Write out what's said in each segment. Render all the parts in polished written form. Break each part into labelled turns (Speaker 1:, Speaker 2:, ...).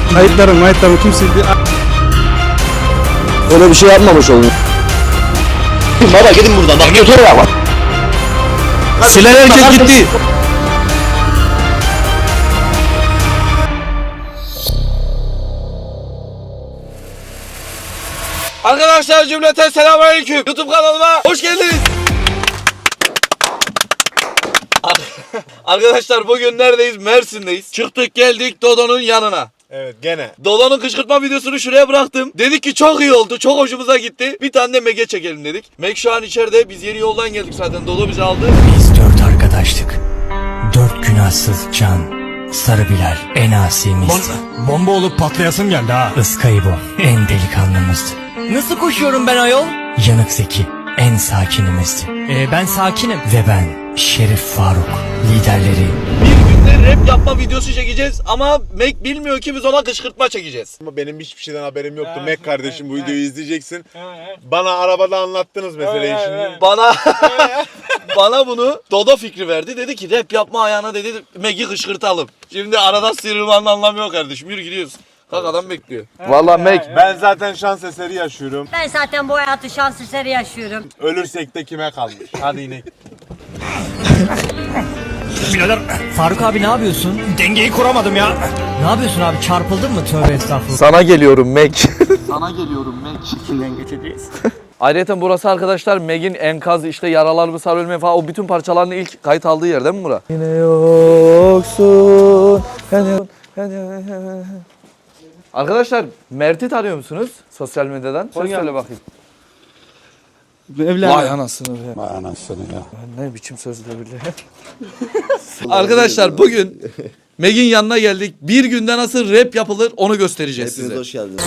Speaker 1: Kayıtlarım kim sildi?
Speaker 2: Öyle bir şey yapmamış olun. Baba gidin buradan bak götür ya bak.
Speaker 1: Silen herkes gitti.
Speaker 3: Arkadaşlar cümleten selamünaleyküm. YouTube kanalıma hoş geldiniz. Arkadaşlar bugün neredeyiz? Mersin'deyiz. Çıktık geldik Dodo'nun yanına.
Speaker 4: Evet gene.
Speaker 3: Dodo'nun kışkırtma videosunu şuraya bıraktım. Dedik ki çok iyi oldu. Çok hoşumuza gitti. Bir tane de Meg'e çekelim dedik. Meg şu an içeride. Biz yeni yoldan geldik zaten. Dodo bizi aldı.
Speaker 5: Biz 4 arkadaştık. 4 günahsız can. Sarı Bilal en asimizdi.
Speaker 6: Bomba olup patlayasım geldi ha.
Speaker 5: Iskaybo en delikanlımızdı. Nasıl koşuyorum ben ayol? Yanık Zeki en sakinimizdi. Ben sakinim. Ve ben Şerif Faruk liderleri.
Speaker 3: Bir günde rap yapma videosu çekeceğiz. Ama Meg bilmiyor ki biz ona kışkırtma çekeceğiz.
Speaker 4: Ama benim hiçbir şeyden haberim yoktu. Mac kardeşim bu videoyu izleyeceksin. Bana arabada anlattınız meseleyi şimdi.
Speaker 3: Bana bunu Dodo fikri verdi. Dedi ki rap yapma ayağına dedi Meg'i kışkırtalım. Şimdi arada sıyrılmanın anlamı yok kardeşim. Yürü gidiyoruz. Kalk adam bekliyor.
Speaker 2: Vallahi Meg.
Speaker 4: Ben zaten şans eseri yaşıyorum.
Speaker 7: Ben zaten bu hayatı şans eseri yaşıyorum.
Speaker 4: Ölürsek de kime kalmış? Hadi inek.
Speaker 6: Birader
Speaker 5: Faruk abi ne yapıyorsun?
Speaker 6: dengeyi kuramadım ya.
Speaker 5: Ne yapıyorsun abi, çarpıldın mı? Tövbe estağfurullah.
Speaker 2: Sana geliyorum Meg.
Speaker 5: Kimden geçeceğiz?
Speaker 3: Ayrıca burası arkadaşlar Meg'in enkaz işte yaralarımı sarılmaya falan o bütün parçalarını ilk kayıt aldığı yer değil mi bura?
Speaker 2: Yine yoksun.
Speaker 3: Arkadaşlar Mert'i tanıyor musunuz sosyal medyadan? Söz söyle bakayım.
Speaker 1: Evlen.
Speaker 3: Vay anasını be. Vay anasını ya. Ne biçim sözler bile. Arkadaşlar bugün Meg'in yanına geldik. Bir günde nasıl rap yapılır onu göstereceğiz
Speaker 2: Hepiniz
Speaker 3: size.
Speaker 2: hoş geldiniz.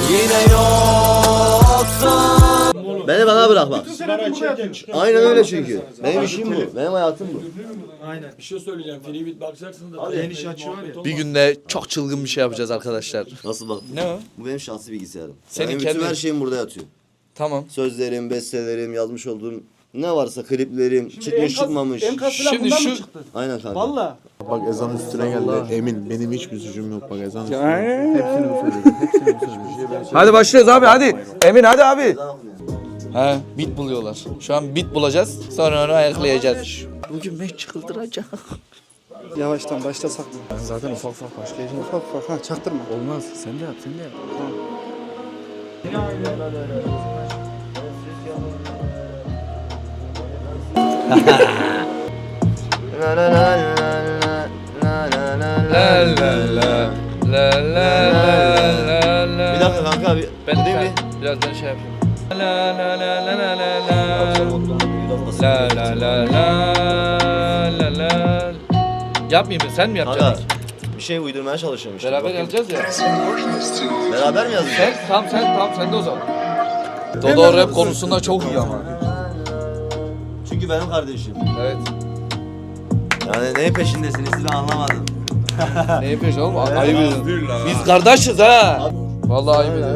Speaker 2: Beni bana bırak bak. Aynen öyle çünkü. Benim işim bu. Benim hayatım bu.
Speaker 3: Bir günde çok çılgın bir şey yapacağız arkadaşlar.
Speaker 2: Nasıl bak?
Speaker 3: Ne o?
Speaker 2: Bu benim şahsi bilgisayarım.
Speaker 3: Senin
Speaker 2: Benim
Speaker 3: kendi-
Speaker 2: bütün her şeyim burada yatıyor.
Speaker 3: Tamam.
Speaker 2: Sözlerim, bestelerim, yazmış olduğum ne varsa kliplerim, çıkmış çıkmamış.
Speaker 3: Şimdi şu
Speaker 2: Aynen kanka.
Speaker 4: Bak ezan üstüne geldi. Emin benim hiçbir suçum yok bak ezan üstüne. Hepsini bu söyledi. Hepsini bu söyledi.
Speaker 3: hadi başlıyoruz abi hadi. Emin hadi abi. He bit buluyorlar. Şu an bit bulacağız. Sonra onu ayaklayacağız. Bugün Meg çıkıldıracak.
Speaker 1: Yavaştan başlasak mı? Ben zaten ufak başlayacağım. Ufak ha çaktırma.
Speaker 3: Olmaz. Sen de yap sen de yap.
Speaker 2: Bir dakika kanka bir.
Speaker 3: Ben
Speaker 2: değil mi?
Speaker 3: Biraz ben şey yapayım. La la la la la la la. La la la la la la. Yapmayayım mı? Sen mi
Speaker 2: Kanka
Speaker 3: yapacaksın?
Speaker 2: bir şey uydurmaya çalışıyorum işte.
Speaker 3: Beraber
Speaker 2: Bakayım.
Speaker 3: yazacağız ya.
Speaker 2: Beraber mi yazdın?
Speaker 3: Sen de o zaman. Dodo rap konusunda çok iyi ama.
Speaker 2: Çünkü benim kardeşim.
Speaker 3: Evet.
Speaker 2: Yani neyin peşindesiniz siz ben anlamadım.
Speaker 3: Ne yapıyorsun oğlum? Ayıp edin. Biz kardeşiz ha. Vallahi ayıp edin.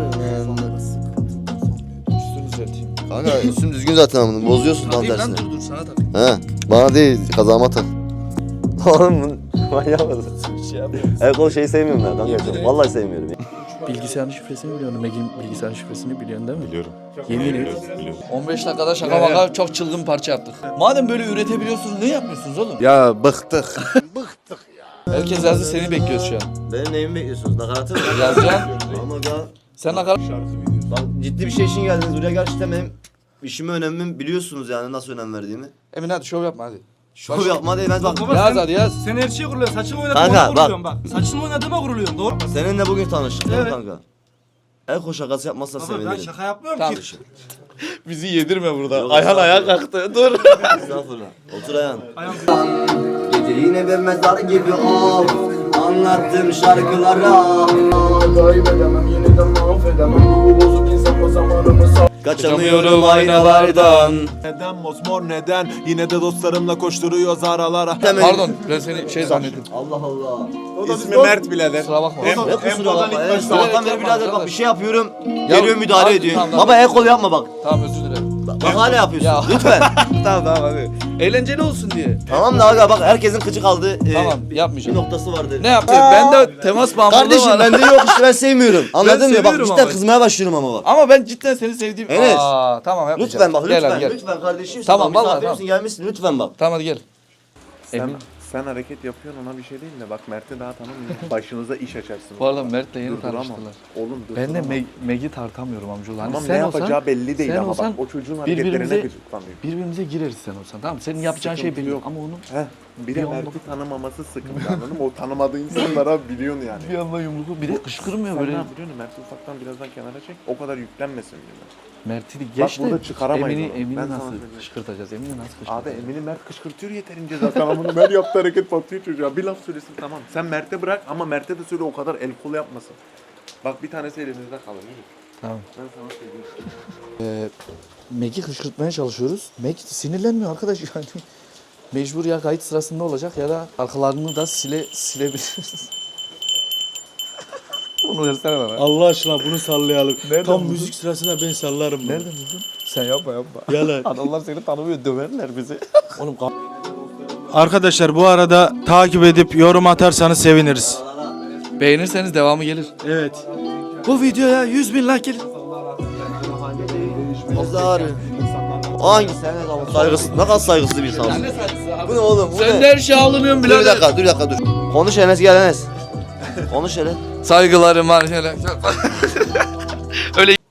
Speaker 3: Üstünü düzelteyim.
Speaker 2: Kanka üstüm düzgün zaten amına bozuyorsun tam
Speaker 3: Takayım
Speaker 2: tersine.
Speaker 3: lan dur sana tak.
Speaker 2: He bana değil kazağıma tak. Oğlum manyak mısın? Evet o şeyi sevmiyorum ben kanka. Vallahi sevmiyorum ya.
Speaker 3: Bilgisayarın şifresini biliyorsun. Meg'in bilgisayarın şifresini biliyorsun değil mi?
Speaker 4: Biliyorum.
Speaker 3: Yemin et. 15 dakikada şaka maka çok çılgın parça yaptık. Madem böyle üretebiliyorsunuz ne yapmıyorsunuz oğlum?
Speaker 4: Ya bıktık.
Speaker 3: Herkes yazdı seni bekliyoruz şu an.
Speaker 2: Benim neyimi bekliyorsunuz? Nakaratı mı?
Speaker 3: Yazacaksın.
Speaker 2: Ama ga
Speaker 3: Sen nakarat.
Speaker 2: bak ciddi bir şey için geldiniz buraya gerçekten benim işime önemimi biliyorsunuz yani nasıl önem verdiğimi.
Speaker 3: Emin hadi şov yapma hadi.
Speaker 2: Şov yapma değil ben bak.
Speaker 3: Yaz hadi yaz.
Speaker 1: Sen her şeyi kuruluyorsun. Saçını
Speaker 2: Kanka,
Speaker 1: oynadığıma
Speaker 2: bak.
Speaker 1: kuruluyorsun bak. Saçını oynadığıma kuruluyorsun doğru mu?
Speaker 2: Seninle bugün tanıştık değil mi
Speaker 1: Evet.
Speaker 2: kanka? El koş şakası yapmazsan
Speaker 1: Ama ben
Speaker 2: sevinirim.
Speaker 1: şaka yapmıyorum
Speaker 3: Tamam.
Speaker 1: ki.
Speaker 3: Bizi yedirme burada.
Speaker 2: Yok,
Speaker 3: Ayhan ayağa
Speaker 2: estağfurullah.
Speaker 3: kalktı. Dur.
Speaker 2: Estağfurullah. Otur ayağın. Gece yine bir mezar gibi ol. Anlattım şarkılara.
Speaker 1: Kaybedemem yeniden mahvedemem. Bu bozuk insan o zamanımı sağ.
Speaker 2: Kaçamıyorum aynalardan.
Speaker 4: Neden mosmor neden? Yine de dostlarımla koşturuyoruz aralara.
Speaker 3: Pardon ben seni şey zannettim.
Speaker 2: Allah Allah.
Speaker 4: İsmi Mert birader.
Speaker 3: Kusura bakma.
Speaker 2: Ne kusura bakma. Evet, sabahtan beri birader bak bir şey yapıyorum.
Speaker 3: Ya,
Speaker 2: Geliyor müdahale
Speaker 3: abi,
Speaker 2: ediyor.
Speaker 3: tamam,
Speaker 2: Baba el kol yapma bak.
Speaker 3: Tamam özür dilerim.
Speaker 2: Bak hala yapıyorsun.
Speaker 3: Ya.
Speaker 2: Lütfen.
Speaker 3: Tamam hadi. Eğlenceli olsun diye.
Speaker 2: Tamam da aga bak herkesin kıcı kaldığı
Speaker 3: Tamam
Speaker 2: bir
Speaker 3: yapmayacağım.
Speaker 2: noktası vardır.
Speaker 3: Ne yapayım? Ben de temas bağımlılığı
Speaker 2: Kardeşim
Speaker 3: var.
Speaker 2: bende yok işte ben sevmiyorum. Anladın mı? Bak
Speaker 3: seviyorum
Speaker 2: cidden
Speaker 3: ama.
Speaker 2: kızmaya başlıyorum ama bak.
Speaker 3: Ama ben cidden seni sevdiğim...
Speaker 2: Enes.
Speaker 3: Tamam yapmayacağım.
Speaker 2: Lütfen bak
Speaker 3: Gel
Speaker 2: lütfen.
Speaker 3: hadi gel.
Speaker 2: Lütfen kardeşim.
Speaker 3: Tamam, vallahi,
Speaker 2: misafirimsin, gelmişsin lütfen bak.
Speaker 3: Tamam hadi gel.
Speaker 4: Sen hareket yapıyorsun ona bir şey değil de bak Mert'i daha tanımıyorsun. Başınıza iş açarsın.
Speaker 3: Bu arada Mert'le yeni
Speaker 4: Durduramam.
Speaker 3: tanıştılar.
Speaker 4: Oğlum
Speaker 3: Ben de
Speaker 4: durduramam.
Speaker 3: Meg'i tartamıyorum amcaoğlu. Hani
Speaker 4: Tamam
Speaker 3: sen
Speaker 4: ne
Speaker 3: olsan,
Speaker 4: yapacağı belli değil
Speaker 3: sen
Speaker 4: ama
Speaker 3: olsan
Speaker 4: bak o çocuğun hareketlerine
Speaker 3: birbirimize-
Speaker 4: gıcıklanıyor.
Speaker 3: birbirimize gireriz sen olsan tamam mı? Senin yapacağın şey
Speaker 4: Sıkıntı
Speaker 3: belli
Speaker 4: yok.
Speaker 3: ama onun
Speaker 4: Heh, bir de
Speaker 3: Bir anda-
Speaker 4: Mert'i tanımaması sıkıntı anladın mı? O tanımadığı insanlara biliyorsun yani.
Speaker 3: bir anda yumruğu bir de kışkırmıyor
Speaker 4: Sen ne
Speaker 3: böyle.
Speaker 4: yapıyorsun? Mert'i ufaktan birazdan kenara çek. O kadar yüklenmesin diyorlar.
Speaker 3: Mert'i geç de
Speaker 4: burada çıkaramayız onu.
Speaker 3: Emin'i
Speaker 4: Ben sana
Speaker 3: nasıl
Speaker 4: söyleyeyim.
Speaker 3: kışkırtacağız? Emin'i nasıl
Speaker 4: Abi
Speaker 3: kışkırtacağız?
Speaker 4: Emin'i Mert kışkırtıyor yeterince zaten ama bunu Mert yaptığı hareket batıyor çocuğa. Bir laf söylesin tamam. Sen Mert'e bırak ama Mert'e de söyle o kadar el kol yapmasın. Bak bir tanesi elimizde kalır. Yürü.
Speaker 3: Tamam.
Speaker 4: Ben sana söyleyeyim.
Speaker 3: Meg'i kışkırtmaya çalışıyoruz. Meg sinirlenmiyor arkadaş yani. Mecbur ya kayıt sırasında olacak ya da arkalarını da silebiliriz. Bunu versene bana.
Speaker 8: Allah aşkına bunu sallayalım.
Speaker 3: Nereden
Speaker 8: Tam
Speaker 3: buldun?
Speaker 8: müzik sırasında ben sallarım bunu.
Speaker 3: Nereden buldun? Sen yapma.
Speaker 8: Yalan.
Speaker 3: Adamlar seni tanımıyor döverler bizi. Oğlum
Speaker 8: Arkadaşlar bu arada takip edip yorum atarsanız seviniriz.
Speaker 3: beğenirseniz devamı gelir.
Speaker 8: Evet.
Speaker 3: Bu videoya 100.000 like gelir.
Speaker 2: Mezarı. Hangi sen ne kadar saygısız, ne kadar saygısız bir insansın. Bu ne oğlum? Bu
Speaker 3: Sen
Speaker 2: ne?
Speaker 3: de her şeye alınıyorsun
Speaker 2: Dur bir
Speaker 3: birader.
Speaker 2: dakika, dur bir dakika dur. Konuş Enes gel Enes. Konuş hele.
Speaker 3: Saygılarım var şöyle. Öyle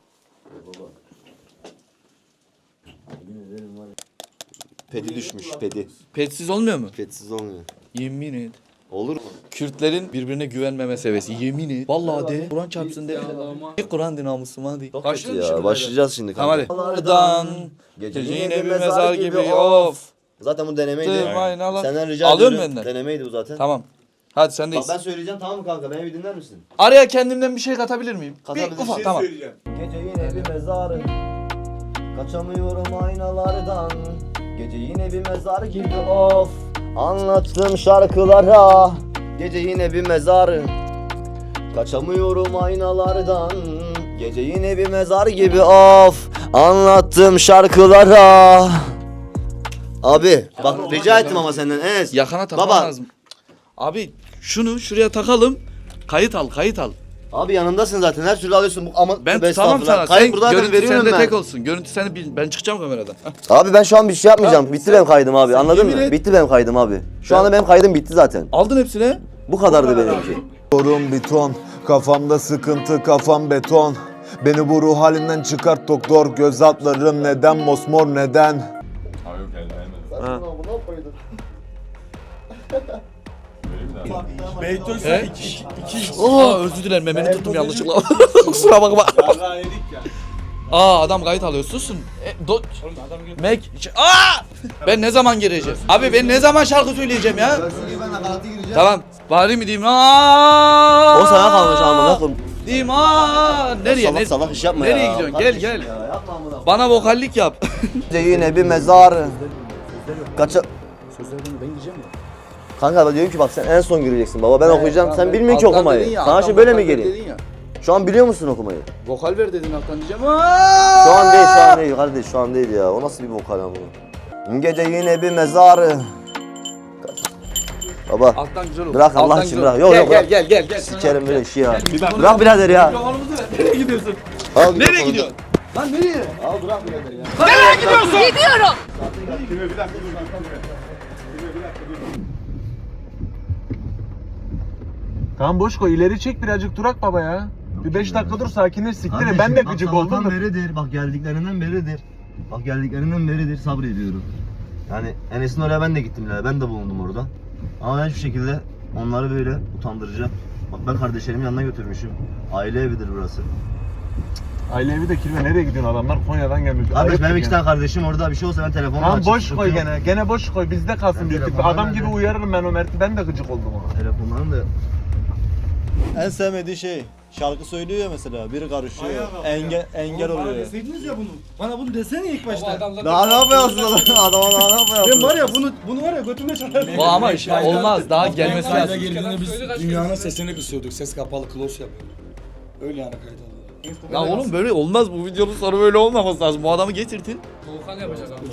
Speaker 2: Pedi düşmüş, pedi.
Speaker 3: petsiz olmuyor mu?
Speaker 2: Pedsiz olmuyor.
Speaker 3: Yemin et.
Speaker 2: Olur mu?
Speaker 3: Kürtlerin birbirine güvenmeme seviyesi. Yemin et. Vallahi de. Kur'an çarpsın de. Kur'an namussum hadi.
Speaker 2: Çok
Speaker 3: Başlıyor
Speaker 2: kötü ya. Başlayacağız şimdi.
Speaker 3: Tamam hadi. Oradan. Gece yine bir mezar gibi of.
Speaker 2: Zaten bu denemeydi.
Speaker 3: Aynen Allah.
Speaker 2: Senden rica
Speaker 3: Alıyorum
Speaker 2: ediyorum.
Speaker 3: benden.
Speaker 2: Denemeydi bu zaten.
Speaker 3: Tamam. Hadi
Speaker 2: Bak
Speaker 3: sendeyiz.
Speaker 2: ben söyleyeceğim tamam mı kanka? Beni bir dinler misin?
Speaker 3: Araya kendimden bir şey katabilir miyim?
Speaker 2: Katabilirsin.
Speaker 3: Bir ufak tamam.
Speaker 2: Gece yine bir mezar. Kaçamıyorum aynalardan. Gece yine bir mezar gibi of. Anlattım şarkılara. Gece yine bir mezar. Kaçamıyorum aynalardan. Gece yine bir mezar gibi of. Anlattım şarkılara. Abi bak rica ettim ama senden Enes.
Speaker 3: Yakana takman
Speaker 2: Baba.
Speaker 3: lazım. Abi şunu şuraya takalım. Kayıt al.
Speaker 2: Abi yanındasın zaten her türlü alıyorsun. Ama
Speaker 3: Ben
Speaker 2: Tövbe
Speaker 3: tutamam
Speaker 2: estağfurullah.
Speaker 3: sana.
Speaker 2: Kayıt burada zaten
Speaker 3: görüntü
Speaker 2: veriyorum
Speaker 3: sende
Speaker 2: ben.
Speaker 3: tek olsun. Görüntü seni bil. Ben çıkacağım kameradan.
Speaker 2: Abi ben şu an bir şey yapmayacağım. Bitti benim kaydım abi. Anladın
Speaker 3: yemin
Speaker 2: mı?
Speaker 3: et.
Speaker 2: Bitti benim kaydım abi. Şu anda benim kaydım bitti zaten.
Speaker 3: Aldın hepsini.
Speaker 2: Bu kadardı benimki.
Speaker 9: Yorum beton, kafamda sıkıntı, kafam beton. Beni bu ruh halinden çıkart doktor, göz altlarım neden mosmor neden?
Speaker 3: He? Özür dilerim memeni tuttum yanlışlıkla. Kusura bakma. Adam kayıt alıyor susun. Meg. Ben ne zaman gireceğim? Abi ben ne zaman şarkı söyleyeceğim ya? Tamam. Bari mi diyeyim?
Speaker 2: O sana kalmış amına koyayım.
Speaker 3: Diyeyim nereye?
Speaker 2: Salak salak iş yapma
Speaker 3: Nereye
Speaker 2: ya.
Speaker 3: gidiyorsun?
Speaker 2: Kardeşim
Speaker 3: Gel.
Speaker 2: ya, yapma amına.
Speaker 3: Bana vokallik yap.
Speaker 2: Yine bir mezar. Kaça... Kanka ben diyorum ki bak sen en son gireceksin baba ben okuyacağım sen bilmiyorsun ki okumayı. Sana şimdi böyle mi geleyim? Şu an biliyor musun okumayı?
Speaker 3: Vokal ver dedin alttan diyeceğim.
Speaker 2: Şu an değil kardeş şu an değil ya. O nasıl bir vokal ama? Gece yine bir mezar. Baba
Speaker 3: Alttan güzel olur.
Speaker 2: bırak Allah
Speaker 3: Alttan
Speaker 2: için
Speaker 3: güzel
Speaker 2: bırak.
Speaker 3: olur.
Speaker 2: Yok yok bırak.
Speaker 3: Gel.
Speaker 2: Sikerim böyle işi ya. Bırak birader ya.
Speaker 3: Mikrofonumuzu ver. Nereye gidiyorsun?
Speaker 2: Al
Speaker 3: Nereye
Speaker 2: mikrofonu.
Speaker 3: gidiyorsun? Lan nereye?
Speaker 2: Al bırak birader ya.
Speaker 8: Tamam boş koy ileri çek birazcık durak baba ya. Bir 5 dakika dur sakinleş siktir. Ben de gıcık oldum da.
Speaker 2: beridir. Bak geldiklerinden beridir. Bak geldiklerinden beridir sabrediyorum. Yani Enes'in oraya ben de gittim ya. Ben de bulundum orada. Ama ben hiçbir şekilde onları böyle utandıracağım. Bak ben kardeşlerimin yanına götürmüşüm. Aile evidir burası.
Speaker 8: Aile evi de kirve nereye gidiyorsun adamlar Konya'dan gelmiş.
Speaker 2: Kardeş
Speaker 8: Ayıp
Speaker 2: benim
Speaker 8: yani.
Speaker 2: 2 tane kardeşim orada bir şey olsa ben telefonumu
Speaker 8: Tamam
Speaker 2: açıp
Speaker 8: boş koy
Speaker 2: tutuyorum.
Speaker 8: gene boş koy bizde kalsın
Speaker 2: Ben
Speaker 8: bir tık.
Speaker 2: telefonum
Speaker 8: Adam
Speaker 2: nerede?
Speaker 8: gibi uyarırım ben o Mert'i ben de gıcık oldum ona.
Speaker 2: Telefonlarım da
Speaker 10: En sevmediği şey şarkı söylüyor ya mesela biri karışıyor engel oluyor.
Speaker 8: Deseydiniz ya bunu. Bana bunu desene ilk başta.
Speaker 2: daha ne yapıyorsun adama daha ne yapıyorsun?
Speaker 8: Ben var ya bunu var ya götüme çalardım.
Speaker 3: Bu ama iş olmaz. Daha gelmesi lazım.
Speaker 11: girdiğinde biz dünyanın sesini kısıyorduk. Ses kapalı close yapıyorduk. Öyle yani kayıt alıyorduk.
Speaker 3: Ya oğlum böyle olmaz, bu videonun sonu böyle olmaması lazım. Bu adamı getirdin.
Speaker 11: Doğukan yapacak abi.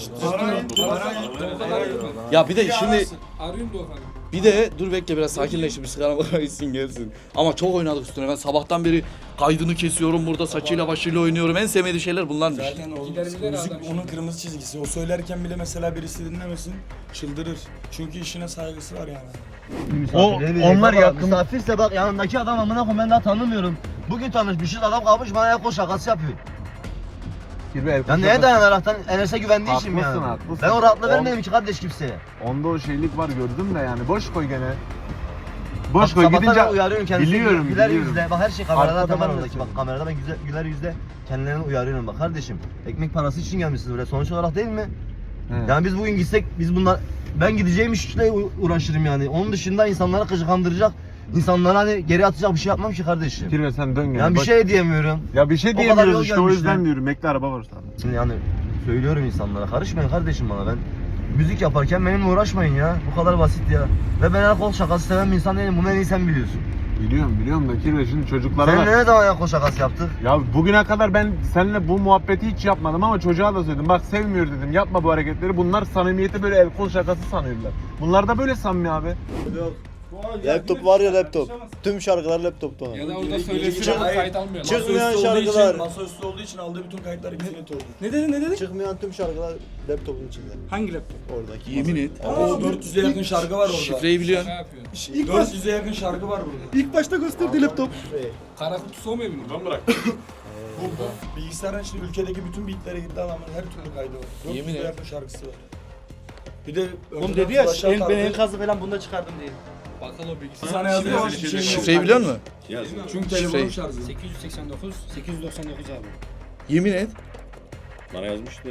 Speaker 3: Ya bir de şimdi
Speaker 11: Arıyorum Doğukan'ı.
Speaker 3: bir de dur bekle biraz sakinleştir, bir sigara içsin gelsin. Ama çok oynadık üstüne. Ben sabahtan beri kaydını kesiyorum burada, saçıyla başıyla oynuyorum. En sevmediği şeyler bunlarmış.
Speaker 11: Zaten müzik onun kırmızı çizgisi. O söylerken bile mesela birisi dinlemesin çıldırır. Çünkü işine saygısı var yani.
Speaker 2: Onlar yakın. Misafirse bak yanındaki adam amına koyayım ben daha tanımıyorum. Bugün tanışmışız adam kalmış bana el kol şakası yapıyor. Ya neye dayanaraktan Enes'e güvendiği için mi yani?
Speaker 4: Haklısın.
Speaker 2: Ben o rahatlığı vermedim ki kardeş kimseye.
Speaker 4: Onda o şeylik var gördüm de yani boş koy gene. Boş
Speaker 2: Bak,
Speaker 4: koy
Speaker 2: sabahtan
Speaker 4: gidince
Speaker 2: uyarıyorum kendisini.
Speaker 4: biliyorum
Speaker 2: Güler
Speaker 4: biliyorum.
Speaker 2: yüzle. Bak her şey kamerada
Speaker 4: Arkadan
Speaker 2: tamam
Speaker 4: arasın.
Speaker 2: bak kamerada ben güler yüzle kendilerini uyarıyorum bak kardeşim. Ekmek parası için gelmişsiniz buraya sonuç olarak değil mi?
Speaker 4: He.
Speaker 2: Yani biz bugün gitsek biz bunlar ben gideceğim işle uğraşırım yani. Onun dışında insanları kandıracak, insanlara hani geri atacak bir şey yapmam ki kardeşim.
Speaker 4: Kirve sen dön gene.
Speaker 2: Yani bir
Speaker 4: Bak-
Speaker 2: şey diyemiyorum.
Speaker 4: Ya bir şey
Speaker 2: O kadar
Speaker 4: diyemiyoruz
Speaker 2: yol
Speaker 4: işte o
Speaker 2: gelmişler.
Speaker 4: yüzden diyorum. Bekle araba var sana.
Speaker 2: Şimdi yani söylüyorum insanlara karışmayın kardeşim bana ben müzik yaparken benimle uğraşmayın ya. Bu kadar basit ya. Ve ben el kol şakası seven bir insan değilim. Bunu en iyi sen biliyorsun.
Speaker 4: Biliyorum da Kirve şimdi çocuklara
Speaker 2: Seninle
Speaker 4: bak.
Speaker 2: ne zaman el kol şakası yaptık?
Speaker 4: Ya bugüne kadar ben seninle bu muhabbeti hiç yapmadım ama çocuğa da söyledim. Bak sevmiyor dedim. Yapma bu hareketleri. Bunlar samimiyeti böyle el kol şakası sanıyorlar. Bunlar da böyle samimi abi.
Speaker 10: Laptop var ya laptop. Tüm şarkılar laptopta onun.
Speaker 11: Ya da orada söylesin kayıt almıyor.
Speaker 10: Çıkmayan şarkılar.
Speaker 11: Masaüstü olduğu için aldığı bütün kayıtlar hepsini tordu.
Speaker 10: Ne dedi? Çıkmayan tüm şarkılar laptopun içinde.
Speaker 11: Hangi laptop?
Speaker 10: Oradaki.
Speaker 3: Yemin et.
Speaker 11: O 400'e yakın şarkı var orada.
Speaker 3: Şifreyi biliyorsun.
Speaker 11: Ne yapıyor? 400'e yakın şarkı var burada.
Speaker 10: İlk başta gösterdi laptop.
Speaker 11: Kara kutusu olmuyor mu? Ben bırak. Bu bilgisayarın içinde ülkedeki bütün beatlere gitti adamın her türlü kaydı var.
Speaker 3: Yemin
Speaker 11: 400'e
Speaker 3: et.
Speaker 11: yakın şarkısı var. Bir de
Speaker 10: Oğlum dedi ya ben enkazı falan bunda çıkardım diye.
Speaker 11: Bakalım o bilgisayar. Sana yazıyor.
Speaker 3: Şifreyi biliyor musun?
Speaker 11: Çünkü
Speaker 3: Şifreyi.
Speaker 11: telefonum şarjı.
Speaker 12: 889, 899 abi.
Speaker 3: Yemin et.
Speaker 12: Bana yazmıştı.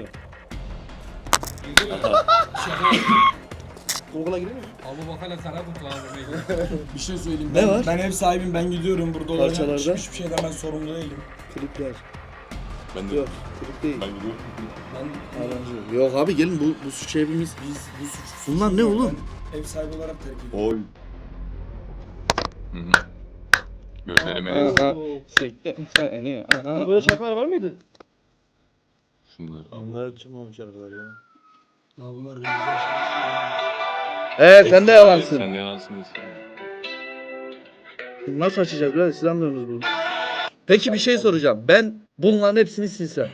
Speaker 10: Google'a giriyor musun?
Speaker 11: Abu Bakar'la kara kutu abi. Bir şey söyleyeyim.
Speaker 3: Ne
Speaker 11: Ben,
Speaker 3: var?
Speaker 11: ben ev sahibim, ben gidiyorum burada olacak.
Speaker 10: Parçalarda.
Speaker 11: Hiçbir şeyden ben sorumlu değilim.
Speaker 10: Klipler.
Speaker 12: Ben de.
Speaker 10: Yok, klip değil.
Speaker 12: Ben gidiyorum.
Speaker 11: Ben,
Speaker 3: Yok abi gelin bu suç hepimiz.
Speaker 11: biz bu suç.
Speaker 3: Bunlar ne oğlum?
Speaker 11: Ben ev sahibi olarak terk ediyorum.
Speaker 12: Oy. Gözlerime.
Speaker 10: Böyle şarkılar var mıydı?
Speaker 12: Şunları.
Speaker 10: Onlar çıkmamış şarkılar ya.
Speaker 11: Ya bunlar
Speaker 3: Sen de yalansın.
Speaker 12: Sen de yalansınız.
Speaker 3: Nasıl açacağız böyle silahmıyoruz bunu. Peki bir şey soracağım. Ben bunların hepsini silsem.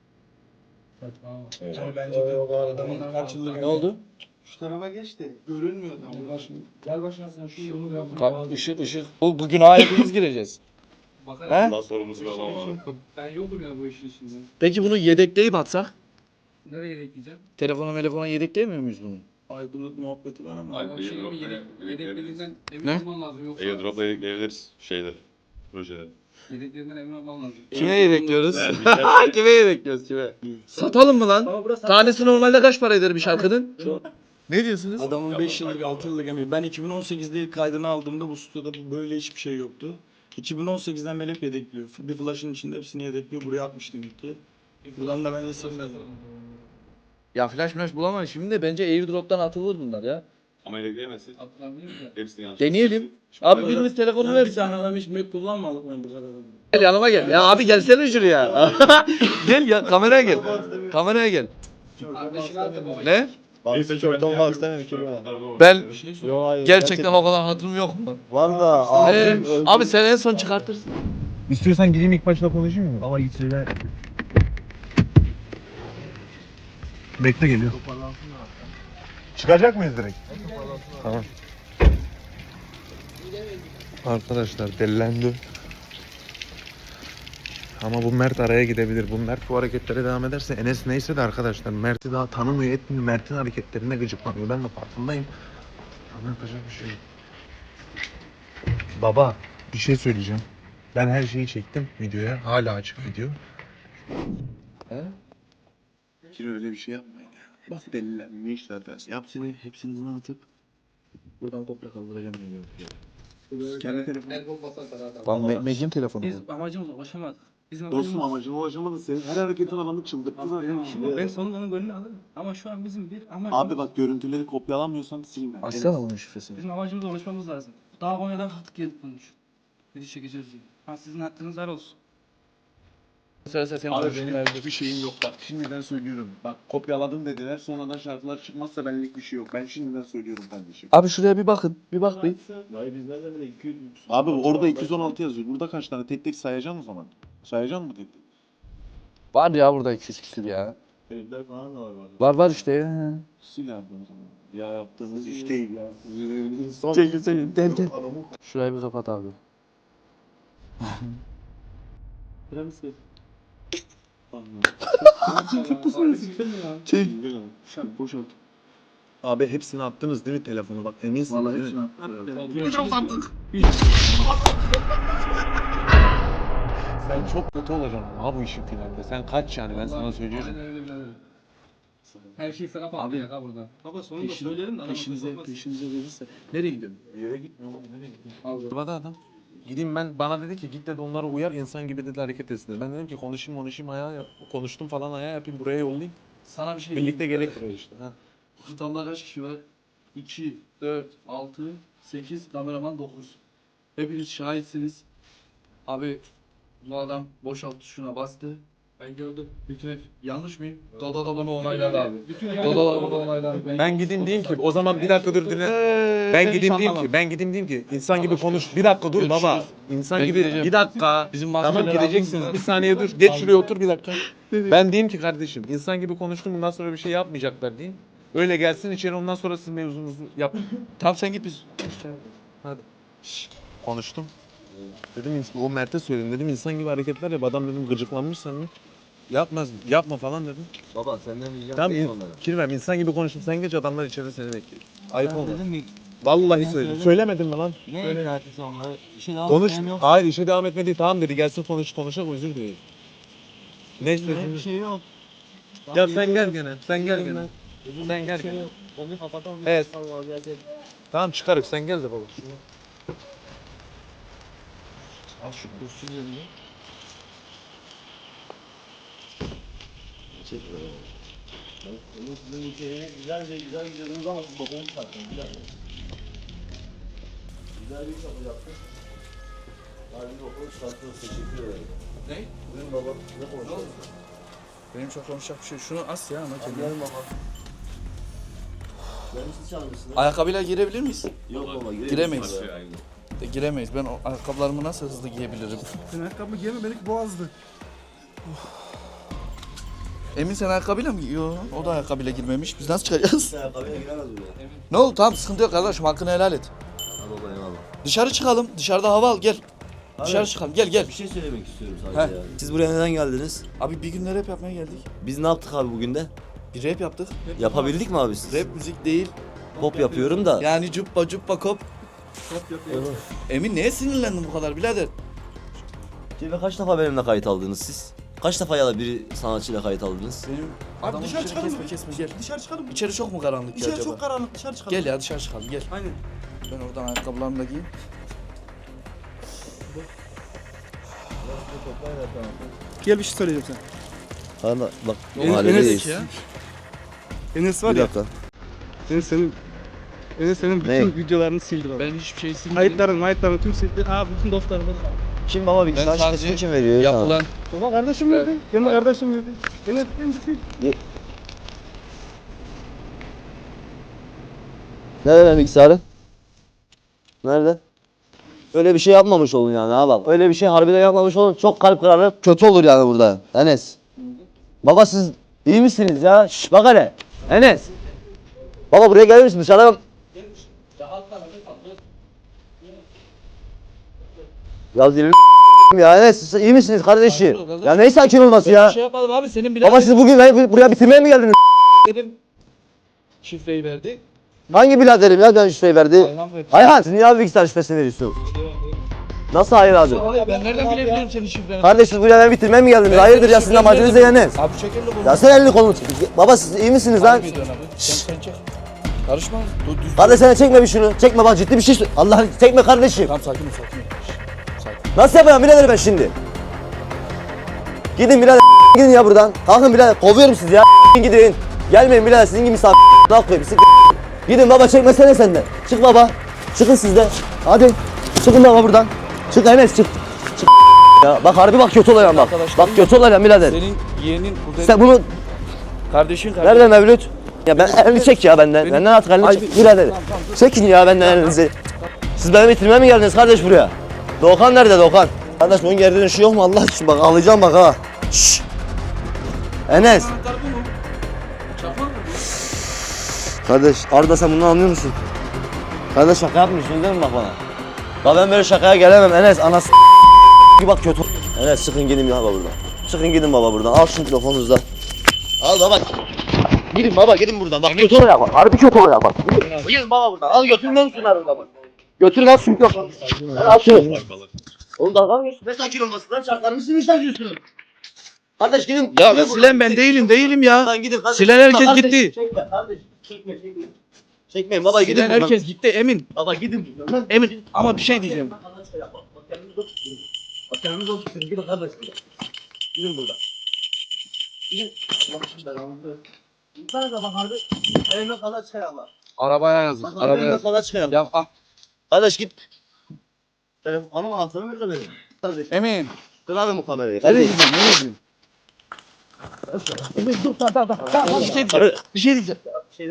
Speaker 11: Bence de adamın kaç yıldır
Speaker 3: Ne oldu?
Speaker 10: Şu tarafa geç de.
Speaker 11: görünmüyor adam. Gel başına sen şu yolu yap.
Speaker 3: Işık. Bu günaha hepimiz gireceğiz.
Speaker 11: Bakalım.
Speaker 3: He?
Speaker 12: Allah sorumlusu ben olmam.
Speaker 11: Ben yokum ya bu işin içinde.
Speaker 3: Peki bunu yedekleyip atsak?
Speaker 11: Nereye bekleyeceğim?
Speaker 3: Telefona yedekleyemiyor muyuz bunu?
Speaker 11: Aydınlık muhabbeti var ama.
Speaker 12: Ay,
Speaker 11: O şeyi
Speaker 12: airdrop
Speaker 11: yedeklerinden emin
Speaker 3: Ne?
Speaker 11: olman lazım. Yoksa
Speaker 12: Airdrop'la ekleyebiliriz şeyde. Projede.
Speaker 11: yedeklerinden emin olman lazım.
Speaker 3: Kime yedekliyoruz? Kime yedekliyoruz kime? Satalım mı lan? Tanesi normalde kaç para eder bir şarkının? Ne diyorsunuz?
Speaker 11: Adamın 5 yıllık 6 yıllık emeği. Ben 2018'de ilk kaydını aldığımda bu stüdyoda böyle hiçbir şey yoktu. 2018'den beri hep yedekliyor. Bir flash'ın içinde hepsini yedekliyor. Buraya atmıştım ilk. Buradan da ben de sırmadım.
Speaker 3: Ya flash bulamayız şimdi de bence airdrop'tan atılır bunlar ya.
Speaker 12: Ama ekleyemezsin.
Speaker 11: Atlanmıyor mu?
Speaker 12: Hepsini yanlış.
Speaker 3: Deneyelim. Abi birimiz telefonu ver.
Speaker 11: Bir tane adam hiç Mac kullanmadık ben bu kadar.
Speaker 3: Gel yanıma gel. Ya abi gelsene şuraya. Gel ya kameraya gel. Kameraya gel.
Speaker 11: Kardeşini at baba.
Speaker 3: Ne?
Speaker 10: Neyse çok olmak istemem ki ben.
Speaker 3: Ben
Speaker 10: Yok hayır.
Speaker 3: gerçekten o kadar hatırım yok mu?
Speaker 10: Var da abim öldü.
Speaker 3: Abi sen en son çıkartırsın.
Speaker 4: İstiyorsan gideyim ilk başta konuşayım mı?
Speaker 2: Baba git söyle.
Speaker 4: Bekle geliyor. Çıkacak mıyız direkt? Tamam. Arkadaşlar delilendi. Ama bu Mert araya gidebilir. Bu Mert bu hareketlere devam ederse Enes neyse de arkadaşlar Mert'i daha tanımıyor etmiyor. Mert'in hareketlerine gıcıklanıyor. Ben de farkındayım. Ama yapacak bir şey yok. Baba bir şey söyleyeceğim. Ben her şeyi çektim videoya. Hala açık video. Kiro öyle bir şey yapmayın ya. Bak delilenmişler dersin.
Speaker 10: Hepsini buna atıp buradan komple kaldıracağım diyor.
Speaker 4: Kendi telefonu.
Speaker 11: El bol basar para atar.
Speaker 3: Lan Mecin telefonu.
Speaker 12: Biz amacımıza ulaşamadık. Bizim
Speaker 4: Dostum amacına ulaşamadın senin. Her hareketin adamı çıldırttılar ya.
Speaker 12: ben sonundan gönlünü alırım. Ama şu an bizim bir amacımız.
Speaker 4: Abi bak görüntüleri kopyalamıyorsan silme.
Speaker 3: Açsana bunun şifresini.
Speaker 12: Bizim amacımıza ulaşmamız lazım. Daha Konya'dan kalktık geldik bunun için. Video çekeceğiz diye. Ha sizin hakkınız var olsun.
Speaker 4: Abi benim bir şeyim yok bak şimdiden söylüyorum. Bak kopyaladım dediler sonradan şarkılar çıkmazsa benlik bir şey yok. Ben şimdiden söylüyorum kardeşim.
Speaker 1: Abi şuraya bir bakın. Bir bak bir.
Speaker 4: Abi orada 216 yazıyor. Burada kaç tane? Tek tek sayacaksın o zaman. Sayacaksın mı tek tek?
Speaker 1: Var ya burada 200 küsür ya.
Speaker 10: Evler falan da var.
Speaker 1: Var işte ya.
Speaker 4: Sil abi o zaman. Ya yaptığınız iş değil ya.
Speaker 1: Gel. Şurayı bir kapat abi.
Speaker 4: Boşalt. Abi hepsini attınız değil mi telefonu? Bak eminsin. Vallahi hepsini attık. Sen çok kötü olacaksın abi bu işin finalde. Sen kaç yani ben sana söylüyorum.
Speaker 12: Her şey sana patlayacak ha burada. Baba sonunda söylerim de adam
Speaker 4: Peşinize verirse. Nereye gidiyorsun? Bir yere gitmiyorum. Nereye gidiyorsun? Burada adam. Gideyim ben bana dedi ki git dedi onlara uyar insan gibi dedi hareket etsin dedi. Ben dedim ki konuşayım ayağa yap. Konuştum falan ayağa yapayım buraya yollayayım.
Speaker 3: Sana bir şey
Speaker 4: Birlikte gerek işte. Ha.
Speaker 3: Kutamda kaç kişi var? 2, 4, 6, 8, kameraman 9. Hepiniz şahitsiniz. Abi bu adam boşalt tuşuna bastı. Ben gördüm. Bütün hep yanlış mıyım? Dodalama onayladı abi. Dodalama onayladı.
Speaker 4: Ben gideyim diyeyim ki o zaman bir dakika dur dinle. Ben gideyim diyeyim ki insan gibi konuş. Bir dakika dur baba. İnsan gibi bir dakika.
Speaker 3: Bizim
Speaker 4: Tamam gideceksiniz. Bir saniye dur. Geç şuraya otur bir dakika. Ben diyeyim ki kardeşim insan gibi konuştum bundan sonra bir şey yapmayacaklar diyeyim. Öyle gelsin içeri ondan sonra siz mevzunuzu yapın.
Speaker 3: Tamam sen git biz.
Speaker 4: Hadi. Konuştum. Dedim o Mert'e söyledim dedim insan gibi hareketler yap adam dedim gıcıklanmış sen mi? Yapma falan dedim.
Speaker 2: Baba senden ricam
Speaker 4: Tamam Kirvem insan gibi konuştum sen geç adamlar içeride seni bekliyor. Ayıp olma. Vallahi söyledim. Söylemedim mi lan?
Speaker 10: Ne ilgilentirse onları? İşe devam
Speaker 4: Konuş.
Speaker 10: etmem yok.
Speaker 4: Hayır işe devam etmedi. Tamam dedi gelsin konuşalım özür dileyim. Ne
Speaker 10: Bir
Speaker 4: istedin?
Speaker 10: şey yok.
Speaker 4: Ya sen gel gene. Sen gel gene. Sen gel gene.
Speaker 10: Onu kapatalım.
Speaker 4: Evet.
Speaker 10: Allah gelsin.
Speaker 4: Tamam çıkarık sen gel de baba.
Speaker 3: Al şu kursu yerine.
Speaker 10: Sizin ülkeye güzel gidiyordunuz ama siz bokumu çıkarttınız. Güzel bir iş yapacaktınız. Harbi bokumu çıkarttınız. Teşekkür ederim.
Speaker 3: Ne?
Speaker 10: Buyurun baba. Ne konuşuyorsunuz?
Speaker 3: Benim çok konuşacak bir şey. Şunu as ya ama kendine.
Speaker 10: Gelin baba. Benim siz çalmışsınız.
Speaker 3: Ayakkabıyla girebilir miyiz?
Speaker 10: Yok baba
Speaker 3: Giremeyiz. Giremeyiz. Ben o ayakkabılarımı nasıl hızlı giyebilirim?
Speaker 1: Sen ayakkabı giyeme belki boğazdı.
Speaker 3: Emin sen ayakkabıyla mı? Yok. O da ayakkabıyla girmemiş. Biz nasıl çıkacağız?
Speaker 10: Sen ayakkabıya giremez buraya.
Speaker 3: Ne oldu? Tamam sıkıntı yok kardeşim. Hakkını helal et.
Speaker 10: Hadi baba eyvallah.
Speaker 3: Dışarı çıkalım. Dışarıda hava al. Gel. Dışarı çıkalım. Gel.
Speaker 10: Bir şey söylemek istiyorum sadece ya. Siz buraya neden geldiniz?
Speaker 3: Abi bir gün rap yapmaya geldik.
Speaker 10: Biz ne yaptık abi bugün de?
Speaker 3: Bir rap yaptık.
Speaker 10: Yapabildik mi abi siz?
Speaker 3: Rap müzik değil.
Speaker 10: Pop yapıyorum da.
Speaker 3: Yani cuppa kop. Emin neye sinirlendin bu kadar birader?
Speaker 10: Ve kaç defa benimle kayıt aldınız siz? Kaç defa ya da bir sanatçıyla kayıt aldınız?
Speaker 3: Benim
Speaker 1: Abi
Speaker 3: adamın
Speaker 1: dışarı
Speaker 3: içini
Speaker 1: çıkalım
Speaker 3: kesme gel.
Speaker 1: Dışarı çıkalım mı?
Speaker 3: İçeri çok mu karanlık ki
Speaker 1: İçeri
Speaker 3: acaba?
Speaker 1: çok karanlık. Dışarı çıkalım.
Speaker 3: Gel ya dışarı çıkalım gel.
Speaker 1: Aynen.
Speaker 3: Ben oradan ayakkabılarımı da giyeyim.
Speaker 1: Gel bir şey söyleyeceğim sen.
Speaker 10: Hala bak
Speaker 1: Enes
Speaker 10: mahalledeyiz.
Speaker 3: ya.
Speaker 1: Enes var
Speaker 10: Bir
Speaker 1: ya.
Speaker 10: dakika.
Speaker 1: Enes senin bütün
Speaker 10: Ne?
Speaker 1: videolarını sildi baba.
Speaker 3: Ben hiçbir şey silmedim.
Speaker 1: Kayıtların tüm sildi. bütün dostlarımı.
Speaker 10: Kim baba
Speaker 3: Ben
Speaker 10: bilgisayar
Speaker 3: sadece
Speaker 10: şifresini kim veriyor ya?
Speaker 3: yapılan
Speaker 1: Baba kardeşim dedi. Yanında kardeşim dedi. Enes sil.
Speaker 10: Nerede benim bilgisayarım? Nerede? Öyle bir şey yapmamış olun yani ha bak. Öyle bir şey harbiden yapmamış olun. Çok kalp kırarı kötü olur yani burada. Enes. Baba siz iyi misiniz ya? Şş bak hele. Enes. Baba buraya gelir misin dışarıdan? Ya zilini ya Enes siz iyi misiniz kardeşim? Ya ne sakin olması ya?
Speaker 3: şey yapalım abi senin
Speaker 10: Baba siz bugün beni buraya bitirmeye mi geldiniz?
Speaker 3: dedim şifreyi verdi.
Speaker 10: Hangi biraderim ya ben şifreyi verdi? Ayhan siz niye abi bilgisayar şifresini veriyorsun? Nasıl hayır abi?
Speaker 3: Ben nereden bilebilirim senin şifreni?
Speaker 10: Kardeş siz buraya beni bitirmeye mi geldiniz? Hayırdır ya sizin amacınız ne yani?
Speaker 3: Abi şekerli bu.
Speaker 10: Ya sen elini kolunu çek. Baba siz iyi misiniz lan?
Speaker 3: Sen çek. Karışma. Düz.
Speaker 10: Kardeş sen çekme bir şunu. Çekme bak ciddi bir şey söyle. Allah çekme kardeşim.
Speaker 3: Tamam sakin ol. Sakin.
Speaker 10: Nasıl yapacağım birader ben şimdi? Gidin birader gidin ya buradan. Kalkın birader kovuyorum sizi ya gidin. Gelmeyin birader sizin gibi misafir koyayım. Gidin baba çekmesene senden. Çık baba. Çıkın siz de. Hadi. Çıkın baba buradan. Çık Enes çık. Çık. Ya bak harbi bak kötü oluyor bak. Bak kötü oluyor birader.
Speaker 3: Senin yeğenin, kuzenin,
Speaker 10: Sen bunu
Speaker 3: kardeşin.
Speaker 10: nereden Mevlüt? Ya ben elini çek ya benden. Benden artık elini çek birader. Çekin ya benden elinizi. Siz beni bitirmeye mi geldiniz kardeş buraya? Doğukan nerede Doğukan? Kardeş bunun geri dönüşü yok mu Allah için bak ağlayacağım bak ha. Şşş. Enes. Kardeş Arda sen bunu anlıyor musun? Kardeş şaka yapmıyorsun değil mi bak bana? Ya ben böyle şakaya gelemem Enes anası bak kötü. Enes çıkın gidin ya baba buradan. Çıkın gidin baba buradan. Al şu telefonunuzda. Al baba. Gidin baba gidin buradan. Bak kötü oluyor bak. Harbi kötü oluyor bak. Gidin baba buradan. Al götürün lan şunları buradan bak. Götürün al şu mikrofonu. Al şunu. Oğlum dalga mı geçiyorsun? Ne sakin olmasın lan şartlarını siz mi saklıyorsunuz? Kardeş gidin.
Speaker 3: Ya silen ben değilim ya.
Speaker 10: Lan gidin kardeş.
Speaker 3: Silen herkes
Speaker 10: Kardeş,
Speaker 3: gitti.
Speaker 10: Çekme kardeş. Çekme. Çekmeyin baba gidin
Speaker 3: Silen
Speaker 10: buradan.
Speaker 3: herkes gitti Emin.
Speaker 10: Baba gidin buradan.
Speaker 3: Emin ama bir şey diyeceğim.
Speaker 10: Bak kendiniz olsun. Gidin kardeş. Gidin buradan. Gidin. Bak bak harbi. Evime kadar çıkayalım.
Speaker 3: Arabaya yazın.
Speaker 10: Bak
Speaker 3: Arabaya
Speaker 10: evime
Speaker 3: yazın.
Speaker 10: kadar çıkayalım.
Speaker 3: Ya ah.
Speaker 10: Kardeş git. Telefonum anahtarı ver de benim. Kardeş.
Speaker 3: Emin.
Speaker 10: Kır abi bu kamerayı.
Speaker 3: Nereye
Speaker 10: Kardeş.
Speaker 3: gidiyorsun? Nereye gidiyorsun? Emin dur tamam. Bir şey diyeceğim.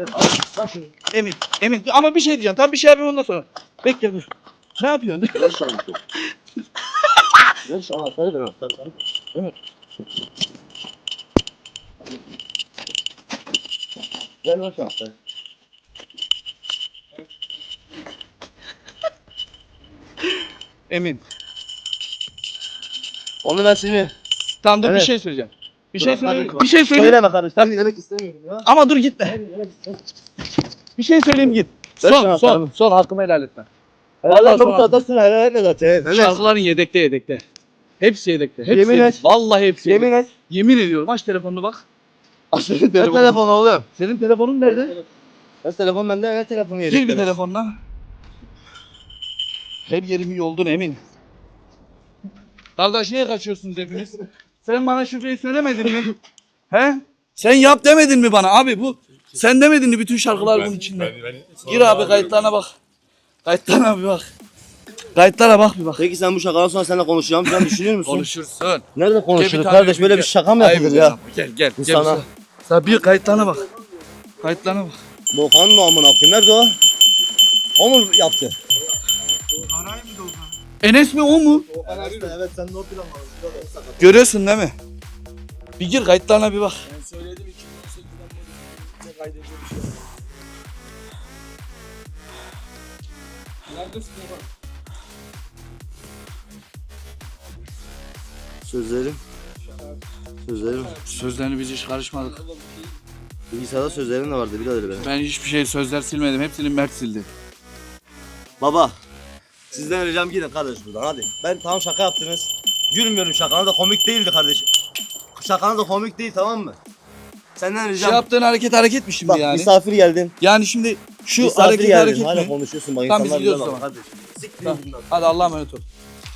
Speaker 3: Emin ama bir şey diyeceğim. Tam bir şey yapayım ondan sonra. Bekle dur. Ne yapıyorsun?
Speaker 10: Ver şu anahtarı. Ver şu anahtarı ver anahtarı.
Speaker 3: Evet.
Speaker 10: Ver şu anahtarı.
Speaker 3: Emin.
Speaker 10: Onu ben seni.
Speaker 3: Tamam dur bir
Speaker 10: Evet.
Speaker 3: şey söyleyeceğim. Bir
Speaker 10: Dur,
Speaker 3: şey
Speaker 10: hadi.
Speaker 3: söyleyeyim. Bir şey söyleyeyim.
Speaker 10: Söyleme kardeş. Sen dinlemek istemiyorum ya.
Speaker 3: Ama dur gitme. Bir şey söyleyeyim git.
Speaker 10: Ver
Speaker 3: Son
Speaker 10: şunu
Speaker 3: son
Speaker 10: atalım.
Speaker 3: son hakkımı helal etme.
Speaker 10: Vallahi
Speaker 3: sonra-
Speaker 10: bu kadar sen helal etme zaten. Evet.
Speaker 3: Şarkıların yedekte. Hepsi yedekte. Hepsi
Speaker 10: Yemin
Speaker 3: yedekte.
Speaker 10: et.
Speaker 3: Vallahi hepsi
Speaker 10: Yemin et.
Speaker 3: Yemin ediyorum. Aç telefonunu bak. Aç senin
Speaker 10: Ne
Speaker 3: telefonunu.
Speaker 10: telefonu oğlum?
Speaker 3: Senin telefonun nerede?
Speaker 10: Ne telefon bende ne telefonu yedik.
Speaker 3: Gir bir telefonla. Her yerimi yoldun Emin. Kardeş niye kaçıyorsunuz hepiniz? Sen bana şifreyi söylemedin mi? He? Sen yap demedin mi bana abi bu? Sen demedin mi bütün şarkılar bunun içinde? Gir abi kayıtlarına bak. Kayıtlarına bir bak. Kayıtlara bak bir bak.
Speaker 10: Peki sen bu şakadan sonra seninle konuşacağım falan düşünür müsün?
Speaker 3: Konuşursun.
Speaker 10: Nerede
Speaker 3: Gel bir
Speaker 10: konuşuruz
Speaker 3: tane
Speaker 10: kardeş böyle
Speaker 3: gel.
Speaker 10: bir şaka mı yapılır
Speaker 3: Ayıp
Speaker 10: ya?
Speaker 3: Gel.
Speaker 10: Bu
Speaker 3: Gel
Speaker 10: sana.
Speaker 3: Sen bir kayıtlarına bak. Kayıtlarına bak.
Speaker 10: Doğukan mı amına koyayım? Nerede o? O mu yaptı?
Speaker 3: Enes mi o mu?
Speaker 10: Evet sen de o plan var.
Speaker 3: Görüyorsun değil mi? Bir gir kayıtlarına bir bak.
Speaker 10: Sözlerim.
Speaker 3: Sözlerini biz hiç karışmadık.
Speaker 10: Bilgisayarda sözlerim de vardı birader benim.
Speaker 3: Ben hiçbir şey sözler silmedim. Hepsini Mert sildi.
Speaker 10: Baba. Sizden ricam gidin kardeş buradan hadi. Ben tamam şaka yaptınız. Gülmüyorum şakana da komik değildi kardeşim. Şakana da komik değil tamam mı? Senden ricam.
Speaker 3: Yaptığın hareket mi şimdi
Speaker 10: Bak
Speaker 3: yani?
Speaker 10: misafir geldin.
Speaker 3: Yani şimdi şu
Speaker 10: Misafir
Speaker 3: hareket
Speaker 10: hala
Speaker 3: mi?
Speaker 10: konuşuyorsun bak
Speaker 3: Tamam, biz
Speaker 10: insanlar
Speaker 3: gidiyoruz
Speaker 10: bilemez
Speaker 3: o zaman.
Speaker 10: kardeş. Siktir
Speaker 3: Tamam.
Speaker 10: gidin lan.
Speaker 3: Hadi Allah'a emanet ol.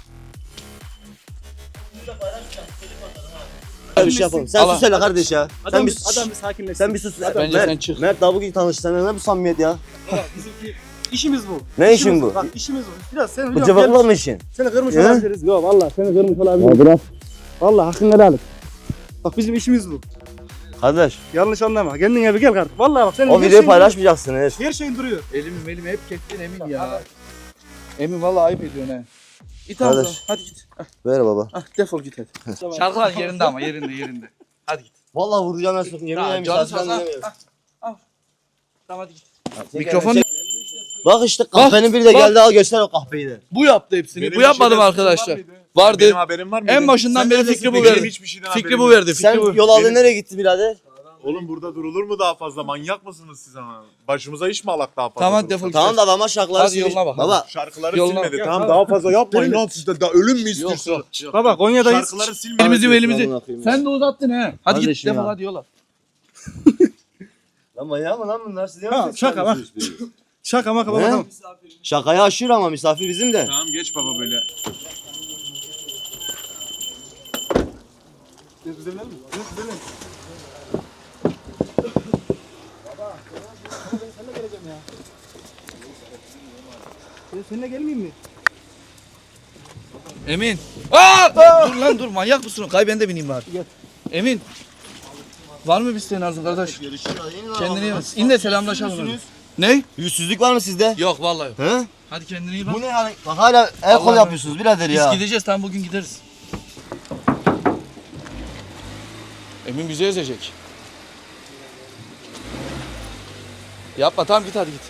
Speaker 10: Bir şey yapalım. Sen
Speaker 3: Allah.
Speaker 10: sus hele kardeş ya. Sen bir
Speaker 12: sakinleşsin.
Speaker 10: sen bir sus.
Speaker 3: Bence
Speaker 10: Mert,
Speaker 3: sen çık.
Speaker 10: Mert daha bugün tanıştık. Seninle ne bu samimiyet ya?
Speaker 12: İşimiz bu.
Speaker 10: Ne işin bu?
Speaker 12: Bak işimiz bu. Biraz seni
Speaker 10: Bu
Speaker 12: biliyorum.
Speaker 10: cıvıkla mı işin?
Speaker 12: Seni kırmış
Speaker 10: He?
Speaker 12: olabiliriz. Yok vallahi seni kırmış olabiliriz.
Speaker 10: bırak.
Speaker 12: Vallahi hakkını helal et. Bak bizim işimiz bu.
Speaker 10: Kardeş
Speaker 12: Yanlış anlama. Kendine bir gel kardeşim. Vallahi bak senin
Speaker 10: o
Speaker 12: her
Speaker 10: videoyu
Speaker 12: şeyin
Speaker 10: paylaşmayacaksınız.
Speaker 12: duruyor. Her şeyin duruyor.
Speaker 3: Elimi hep kestin Emin ya. Emin vallahi ayıp ediyorsun he. İt abi.
Speaker 10: Kardeş.
Speaker 3: Hadi git.
Speaker 10: Ver baba.
Speaker 3: Defol git hadi. Şarkılar yerinde ama yerinde. Hadi git.
Speaker 10: Vallahi vuracağım ben sokun. Yemin ederim
Speaker 3: Canı
Speaker 10: misafirden
Speaker 3: sağ ol.
Speaker 10: dinlemiyorum.
Speaker 3: Tamam hadi git.
Speaker 10: Çek
Speaker 3: Mikrofon
Speaker 10: elini, çek. Bak işte kahvenin biri de
Speaker 3: bak.
Speaker 10: geldi al göster o kahveyi de.
Speaker 3: bu yaptı hepsini.
Speaker 4: Benim
Speaker 3: bu yapmadım
Speaker 4: bir şeyden
Speaker 3: arkadaşlar.
Speaker 4: suçum var mıydı?
Speaker 3: Vardı.
Speaker 4: Benim haberim var mıydı?
Speaker 3: En başından
Speaker 4: Sen
Speaker 3: beri
Speaker 4: neredesin
Speaker 3: fikri bu
Speaker 4: peki?
Speaker 3: verdi.
Speaker 4: Benim hiçbir şeyden
Speaker 3: Fikri
Speaker 4: haberim
Speaker 3: bu
Speaker 4: yok.
Speaker 3: verdi.
Speaker 10: Sen
Speaker 3: Fikri bu.
Speaker 10: yol aldın nereye gitti birader?
Speaker 4: Oğlum burada durulur mu daha fazla? Manyak mısınız siz ama? Başımıza iş mi alak daha fazla?
Speaker 3: Tamam
Speaker 4: durursak?
Speaker 3: defol git.
Speaker 10: Tamam da adama şarkıları
Speaker 3: Hadi
Speaker 10: silmiş.
Speaker 3: yoluna bak.
Speaker 10: Baba
Speaker 4: Şarkıları
Speaker 3: Yoluna-
Speaker 4: silmedi. Tamam daha fazla yapmayın lan siz de. Daha ölüm mü istiyorsunuz?
Speaker 12: Baba Konya'dayız.
Speaker 4: Şarkıları silmedi.
Speaker 3: Elimizi.
Speaker 10: Amına koyayım.
Speaker 3: Sen de uzattın he. Hadi git
Speaker 10: Kardeşim
Speaker 3: defol
Speaker 10: ya.
Speaker 3: hadi yola.
Speaker 10: Lan manyak mı lan bunlar? Siz
Speaker 12: Ha, şaka bak. Şaka maka baba
Speaker 10: He?
Speaker 12: tamam.
Speaker 10: Şakaya aşır ama misafir bizim de.
Speaker 4: Tamam geç baba böyle.
Speaker 12: Seninle gelmeyeyim mi?
Speaker 3: Emin Dur lan dur, manyak mısın? Kay ben de bineyim bari. Emin. Var mı bir isteğin Arzum kardeş? Kendine iyi bak. İn de selamlaşalım. Ne?
Speaker 2: Yüzsüzlük var mı sizde?
Speaker 3: Yok vallahi yok.
Speaker 2: He?
Speaker 3: Hadi kendine iyi bak.
Speaker 2: Bu ne yani? Bak hala el kol
Speaker 3: Allah
Speaker 2: yapıyorsunuz birader
Speaker 3: Biz
Speaker 2: ya.
Speaker 3: gideceğiz, tam bugün gideriz. Emin bizi ezecek. Yapma, tamam git hadi git.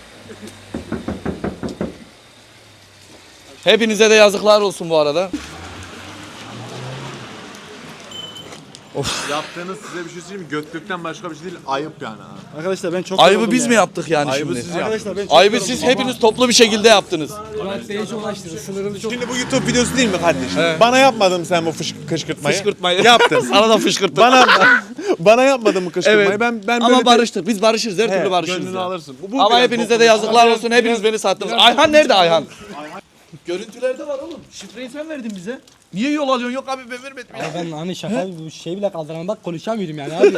Speaker 3: Hepinize de yazıklar olsun bu arada.
Speaker 9: Yaptığınız size bir şey söyleyeyim mi? Götlükten başka bir şey değil. Ayıp yani. Ha.
Speaker 11: Arkadaşlar ben çok
Speaker 3: Ayıbı biz mi yaptık yani
Speaker 9: Ayıbı
Speaker 3: şimdi?
Speaker 9: siz yaptınız.
Speaker 11: Arkadaşlar ben çok
Speaker 3: Ayıbı siz hepiniz toplu bir şekilde yaptınız.
Speaker 9: Şimdi bu YouTube videosu değil mi kardeşim?
Speaker 3: He.
Speaker 9: Bana yapmadın sen bu kışkırtmayı.
Speaker 3: Fışkırtmayı.
Speaker 9: Yaptın.
Speaker 3: Sana da fışkırttım.
Speaker 9: Bana yapmadın mı kışkırtmayı?
Speaker 3: Evet.
Speaker 9: Ben böyle
Speaker 3: Ama barıştık. Biz barışırız. Her türlü barışırız.
Speaker 9: Gönlünü
Speaker 3: ya.
Speaker 9: alırsın.
Speaker 3: Ama
Speaker 9: biraz
Speaker 3: hepinize de
Speaker 9: bokunu-
Speaker 3: yazıklar olsun. Hepiniz beni sattınız. Ayhan nerede Ayhan? Görüntülerde var oğlum. Şifreyi sen verdin bize. Niye yol alıyorsun? Yok abi ben vermedim ya.
Speaker 12: Ben hani şaka bir şey bile kaldıramam, bak konuşamıyorum yani abi.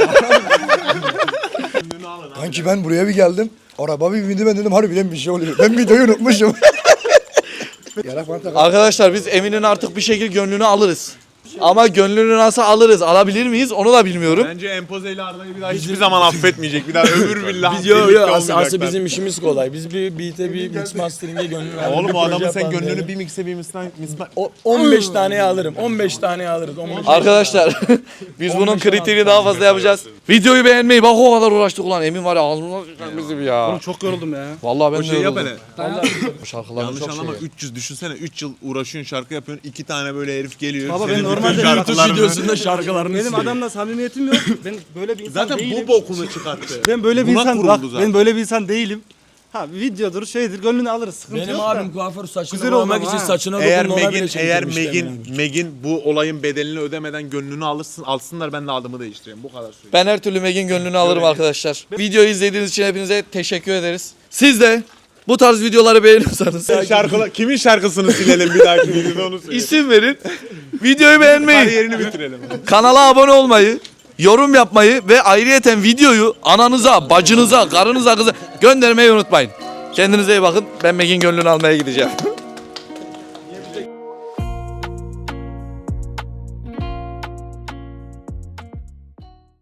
Speaker 1: Kanki ben buraya bir geldim. Araba bir bindi, ben dedim harbiden bir şey oluyor. Ben videoyu unutmuşum. Yarak bana tak.
Speaker 3: Arkadaşlar biz Emin'in artık bir şekilde gönlünü alırız. Ama gönlünü nasıl alırız? Alabilir miyiz? Onu da bilmiyorum.
Speaker 9: Bence Empoze ile Arda'yı bir daha hiçbir zaman affetmeyecek. Bir daha ömür billah.
Speaker 11: Biz yok
Speaker 9: birlikte
Speaker 11: aslında
Speaker 9: olmayacaklar.
Speaker 11: bizim işimiz kolay. Biz bir beat'e bir mix mastering'e gönül verdik.
Speaker 9: Oğlum
Speaker 11: Bir
Speaker 9: o adamın
Speaker 11: proje
Speaker 9: sen
Speaker 11: yapalım
Speaker 9: gönlünü
Speaker 11: diye.
Speaker 9: bir mikse bir misna...
Speaker 11: 15 taneye alırım. 15 taneye alırız. 15
Speaker 3: Arkadaşlar biz bunun kriterini daha fazla yapacağız. Videoyu beğenmeyi, bak o kadar uğraştık ulan. Emin var ya ağzımdan sıçacak bizi ya.
Speaker 12: Çok yoruldum ya.
Speaker 3: Vallahi ben
Speaker 9: O
Speaker 3: de
Speaker 9: şey yap
Speaker 3: yoruldum.
Speaker 9: hele.
Speaker 3: Bu şarkıların
Speaker 9: Yanlış
Speaker 3: çok
Speaker 9: anlama
Speaker 3: şeyi.
Speaker 9: 300 düşünsene 3 yıl uğraşıyorsun şarkı yapıyorsun 2 tane böyle herif geliyor.
Speaker 12: Baba
Speaker 9: senin
Speaker 12: ben
Speaker 9: bütün
Speaker 12: normalde
Speaker 11: YouTube
Speaker 9: şarkılarını-
Speaker 11: videosunda şarkılarını
Speaker 12: Benim
Speaker 11: siliyor.
Speaker 12: adamla samimiyetim yok. Ben böyle bir insan
Speaker 9: Zaten
Speaker 12: değilim.
Speaker 9: bu bokunu çıkarttı.
Speaker 12: Ben böyle bir
Speaker 9: Buna
Speaker 12: insan
Speaker 9: kuruldu
Speaker 12: bak,
Speaker 9: zaten.
Speaker 12: ben böyle bir insan değilim. Ha videodur şeydir gönlünü alırız, sıkıntı
Speaker 11: Benim
Speaker 12: yok
Speaker 11: abim
Speaker 12: da.
Speaker 11: kuaför saçını
Speaker 12: Güzel
Speaker 11: boyamak
Speaker 12: oldu
Speaker 11: için
Speaker 12: ha.
Speaker 11: saçına
Speaker 9: Eğer
Speaker 11: dokundu, ona bile
Speaker 9: Meg'in bu olayın bedelini ödemeden gönlünü alsınlar ben de adımı değiştireyim. Bu kadar söyleyeyim.
Speaker 3: Ben her türlü Meg'in gönlünü alırım arkadaşlar. Videoyu izlediğiniz için hepinize teşekkür ederiz. Siz de bu tarz videoları beğeniyorsanız
Speaker 9: Kimin şarkısını silelim bir dahaki videoda onu söyle.
Speaker 3: isim verin. Videoyu beğenmeyi,
Speaker 9: Kariyerini bitirelim.
Speaker 3: kanala abone olmayı, yorum yapmayı ve ayrıyeten videoyu ananıza, bacınıza, karınıza, kıza göndermeyi unutmayın. Kendinize iyi bakın. Ben Meg'in gönlünü almaya gideceğim.